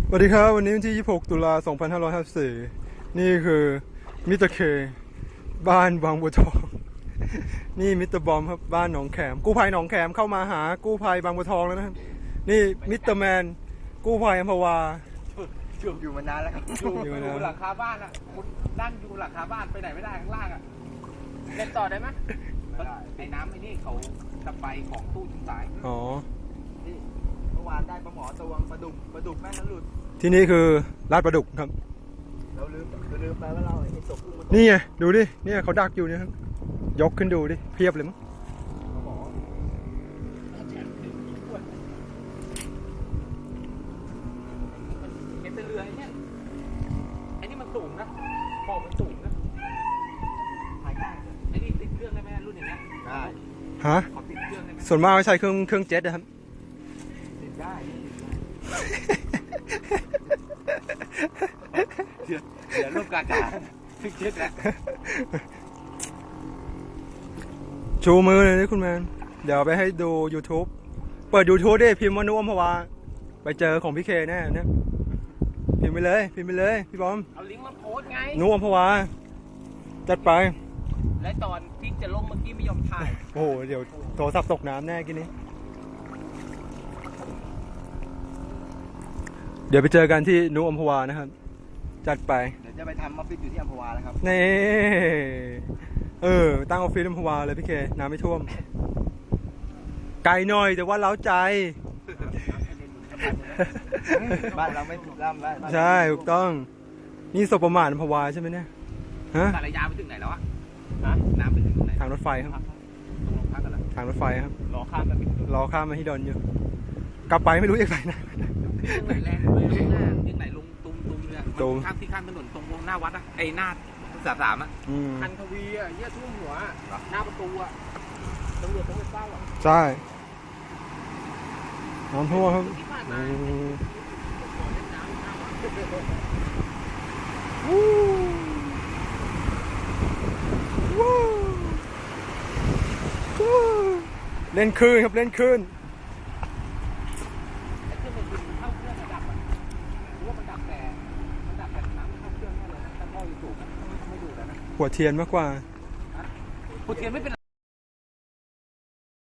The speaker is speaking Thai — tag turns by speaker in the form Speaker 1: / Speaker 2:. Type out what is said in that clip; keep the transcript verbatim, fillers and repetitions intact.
Speaker 1: สวัสดีครับวันนี้วันที่ยี่สิบหกตุลาสองพันห้าร้อยห้าสิบสี่นี่คือมิสเตอร์เคบ้านบางบัวทองนี่มิสเตอร์บอมครับบ้านหนองแขมกู้ภัยหนองแขมเข้ามาหากู้ภัยบางบัวทองแล้วนะครับนี่มิสเตอร์แมนกู้ภัยอัมพวา
Speaker 2: อยู่อยู่มานานแล้วครับอยู่อยู่หลังคาบ้านอ่ะคุณนั่งอยู่หลังคาบ้านไปไหนไม่ได้ข้างล่างอ่ะเล่นต่อได้ไหมไม่ได้ไอ้น้ำไอ้นี่เขาตะไบของตู้ชุนสาย
Speaker 1: อ๋อ
Speaker 2: นี่เมื่อวานได้ปลาหมอตวงปลาดุกปลาดุกแม่งนั้นหลุด
Speaker 1: ที่นี่คือลาดปลาดุกครับ
Speaker 2: เราลืมเราลืมไปว่าเราไอ้ตกกุ้งมา
Speaker 1: นี่ไงดูดินี่เขาดักอยู่เนี่ยครับยกขึ้นดูดิเพียบเลยมั้ง
Speaker 2: เห็นแต่เรือไอ้เนี่ยไอ้นี่มันสูงนะขอบมันสูงนะถ่ายได้ไอ้นี่ติดเครื่องได้ไหมรุ่นอย่างเงี้ยได้
Speaker 1: ฮะ
Speaker 2: ขอติดเครื่องได้ไหม
Speaker 1: ส่วนมากใช้เครื่องเครื่องเจ็ตนะครับ
Speaker 2: ติดได้เดี๋ยวเดี๋ยวรูปกากาติดเจ็ตแล้ว
Speaker 1: ชูมือเลยนี่คุณแมนเดี๋ยวไปให้ดู YouTube เปิด YouTube ดิพิมพ์ว่านุอัมพวาไปเจอของพี่เคแน่เนี่ยพิมพ์ไปเลยพิมพ์ไปเลยพี่บอม
Speaker 2: เอาลิงก์มาโพสไง
Speaker 1: นุอัมพวาจัดไป
Speaker 2: และตอนที่จะลงเมื่อกี้ไม่ยอมถ่าย
Speaker 1: โอ้โหเดี๋ยวโทรศัพท์ตกน้ำแน่กินนี้เดี๋ยวไปเจอกันที่นุอัมพวานะครับจัดไป
Speaker 2: เดี๋ยวจะไปทำออฟฟิศอยู่ที่อัมพวาแล้วครับ
Speaker 1: นี่เออตั้งออฟฟิศอัมพวาเลยพี่เคน้ำไม่ท่วมไกลหน่อยแต่ว่าเล้าใจ
Speaker 2: บ้านเราไม่ถูกล่ำแล้ว
Speaker 1: ใช่ถูกต้องนี่สบประมาทอัมพวาใช่ไหมเนี่ยฮะ
Speaker 2: สารยาไปถึงไหนแล้วอะน้ำไปถึงไหน
Speaker 1: ทางรถไฟครับ
Speaker 2: ตรงลงพักกันเหรอ
Speaker 1: ทางรถไฟครับ
Speaker 2: รอข้ามมาร
Speaker 1: อข้ามมาที่ดอนอยู่กลับไปไม่รู้ยังไงนะ
Speaker 2: ยังไหนแรงเลยยังไหนลงตุ้มตุ้มเนี่ยข้ามที่ข้ามถนนตรงหน้าวัดอะไอ้หน้าสามสามอะคันทวีอะเยี่ยทุ่มหัวหน้าประตูอะตำรวจต้องไปเฝ้าอะ
Speaker 1: ใช่น้ำท่วมครับเล่นคืนครับเล่นคืนหัวเทียนมากกว่า
Speaker 2: หัวเทียนไม่เป็น